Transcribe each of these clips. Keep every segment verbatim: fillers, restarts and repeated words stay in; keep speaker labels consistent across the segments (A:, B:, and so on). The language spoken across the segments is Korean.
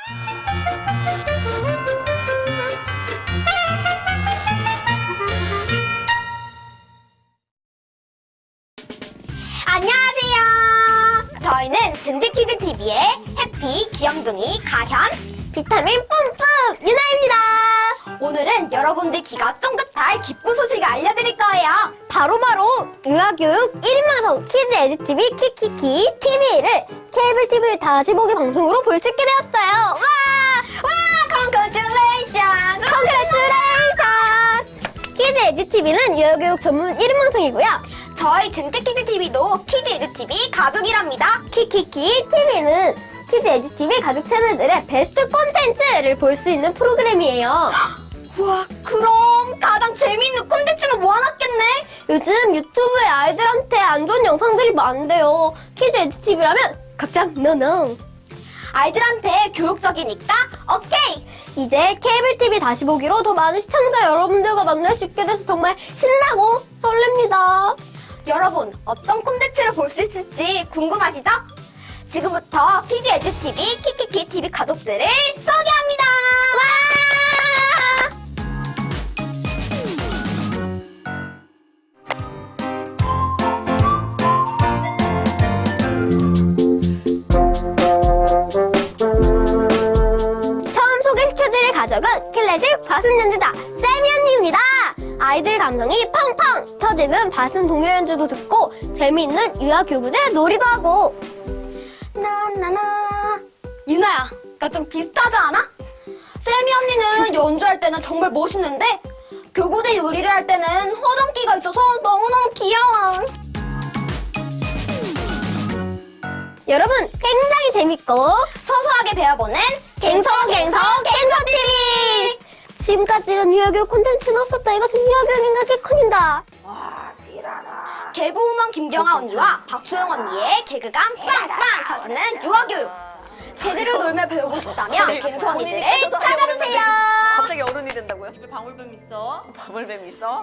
A: 안녕하세요. 저희는 젠드키즈티비의 해피, 귀염둥이, 가현, 비타민 뿜뿜 유나입니다. 오늘은 여러분들 귀가 쫑긋할 기쁜 소식을 알려드릴 거예요. 바로바로 유아교육 일 인 방송 키즈 에듀티비 키키키 티비를 케이블 티비 다시 보기 방송으로 볼 수 있게 되었어요. 와! 와! Congratulations! Congratulations! 키즈 에듀티비는 유아교육 전문 일 인 방송이고요. 저희 젠드키즈티비도 키즈 에듀티비 가족이랍니다. 키키키 티비는 키즈 에듀티비 가족 채널들의 베스트 콘텐츠를 볼 수 있는 프로그램이에요. 우와, 그럼 가장 재미있는 콘텐츠가 모아놨겠네. 요즘 유튜브에 아이들한테 안 좋은 영상들이 많은데요. 키즈 에듀티비라면 각장 노노. 아이들한테 교육적이니까 오케이! 이제 케이블 티비 다시 보기로 더 많은 시청자 여러분들과 만날 수 있게 돼서 정말 신나고 설렙니다. 여러분, 어떤 콘텐츠를 볼 수 있을지 궁금하시죠? 지금부터 키즈 에듀티비 키키키 티비 가족들을 소개합니다. 와! 처음 소개시켜드릴 가족은 클래식 바순 연주자 세미 언니입니다. 아이들 감성이 팡팡 터지는 바순 동요 연주도 듣고 재미있는 유아교구제 놀이도 하고. 나나나. 유나야, 나 좀 비슷하지 않아? 세미 언니는 연주할 때는 정말 멋있는데 교구제 요리를 할 때는 허당기가 있어서 너무너무 귀여워. 여러분, 굉장히 재밌고 소소하게 배워보는 갱서갱서 갱서티비! 지금까지는 유아교육 콘텐츠는 없었다. 이것은 유아교육인가 개콘인가?
B: 와, 티라나.
A: 개그우먼 김경아 언니와 박소영 언니의 개그감 빵빵 터지는 유아교육. 제대로 놀며 배우고 싶다면 갱소 언니들을 찾아주세요.
B: 갑자기 어른이 된다고요?
C: 입에 방울뱀 있어.
B: 방울뱀 있어?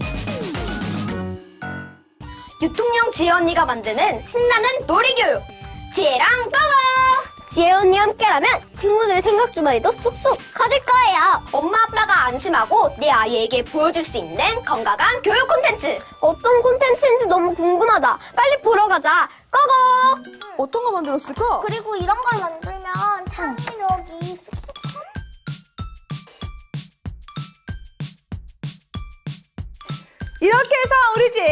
A: 유통령 지혜 언니가 만드는 신나는 놀이교육. 지혜랑 고고! 지혜 언니 함께라면 친구들 생각 주머니도 쑥쑥 커질 거예요. 엄마 아빠가 안심하고 내 아이에게 보여줄 수 있는 건강한 교육 콘텐츠. 어떤 콘텐츠인지 너무 궁금하다. 빨리 보러 가자. 고고!
B: 어떤 거 만들었을까?
A: 그리고 이런 걸 만들면 창의력이 쑥쑥.
B: 이렇게 해서 우리 집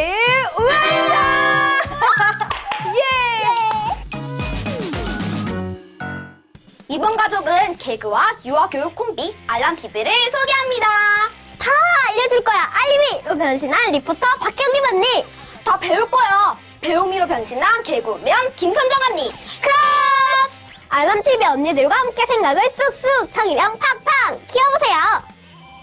B: 우왕사! 예!
A: 이번 가족은 개그와 유아교육 콤비 알람티비를 소개합니다. 다 알려줄 거야. 알림이로 변신한 리포터 박경림 언니. 다 배울 거야. 배우미로 변신한 개그우먼 김선정 언니. 크로스! 알람티비 언니들과 함께 생각을 쑥쑥 창의력 팡팡 키워보세요.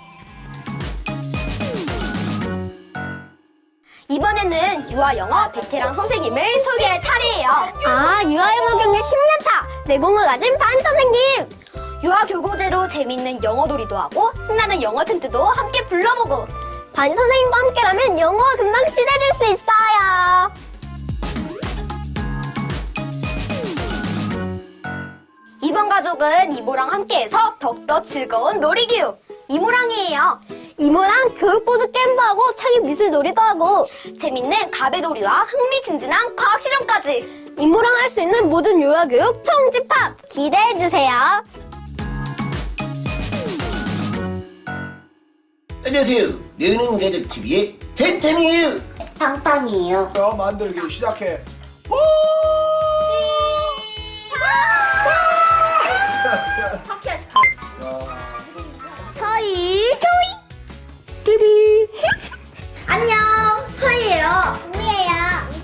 A: 이번에는 유아영어 베테랑 선생님을 소개할 차례예요. 아, 유아영어 경력 십 년 차 내공을 가진 반 선생님. 유아교고제로 재밌는 영어 놀이도 하고 신나는 영어 챈트도 함께 불러보고. 반 선생님과 함께라면 영어가 금방 친해질 수 있어요. 이번 가족은 이모랑 함께해서 더욱더 즐거운 놀이교육. 이모랑이에요. 이모랑 교육보드 게임도 하고 창의 미술 놀이도 하고 재밌는 가베놀이와 흥미진진한 과학 실험까지. 이모랑 할 수 있는 모든 유아교육 총집합 기대해주세요.
D: 안녕하세요. 느는 가족 티비의 템템이에요.
A: 빵빵이에요.
E: 자, 만들기 시작해. 오!
A: 서희 토이 뚜리 안녕, 서희예요. 우미예요.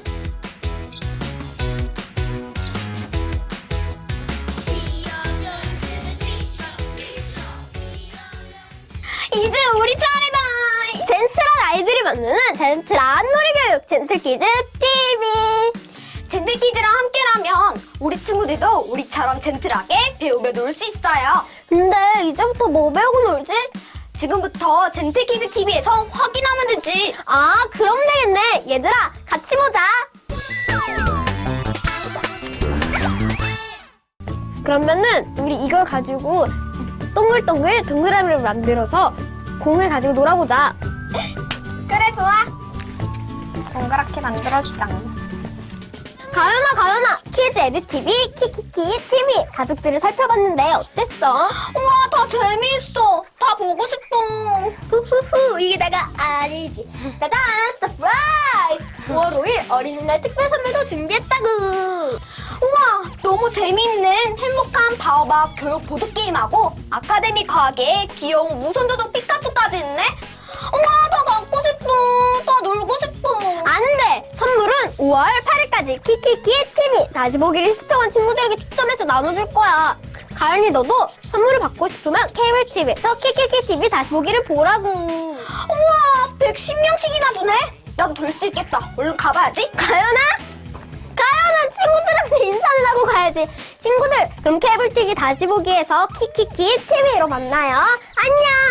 A: 이제 우리 차례다. 젠틀한 아이들이 만드는 젠틀한 놀이교육 젠틀키즈 티비. 젠틀키즈랑 함께라면 우리 친구들도 우리처럼 젠틀하게 배우며 놀 수 있어요. 근데 이제부터 뭐 배우고 놀지? 지금부터 젠틀키즈 티비에서 확인하면 되지. 아, 그럼 되겠네. 얘들아, 같이 보자. 그러면은 우리 이걸 가지고 동글동글 동그라미를 만들어서 공을 가지고 놀아보자. 그래, 좋아. 동그랗게 만들어주자. 가연아, 가연아, 키즈 에듀티비, 키키키 티비 가족들을 살펴봤는데 어땠어? 우와, 다 재미있어. 다 보고 싶어. 후후후, 이게 다가 아니지. 짜잔, 서프라이즈! 오월 오일 어린이날 특별 선물도 준비했다구. 우와, 너무 재미있는 행복한 바오밥 교육 보드게임하고 아카데미 과학에 귀여운 무선조종 피카츄까지 있네? 우와, 다 갖고 싶어. 다 놀고 싶어. 안 돼! 선물은 오월 팔일까지 키키키 티비 다시 보기를 시청한 친구들에게 추첨해서 나눠줄 거야. 가연이 너도 선물을 받고 싶으면 케이블 티비에서 키키키 티비 다시 보기를 보라고. 우와, 백십 명씩이나 주네? 나도 될 수 있겠다. 얼른 가봐야지. 가연아? 가연아, 친구들한테 인사를 하고 가야지. 친구들, 그럼 케이블 티비 다시 보기에서 키키키 티비로 만나요. 안녕!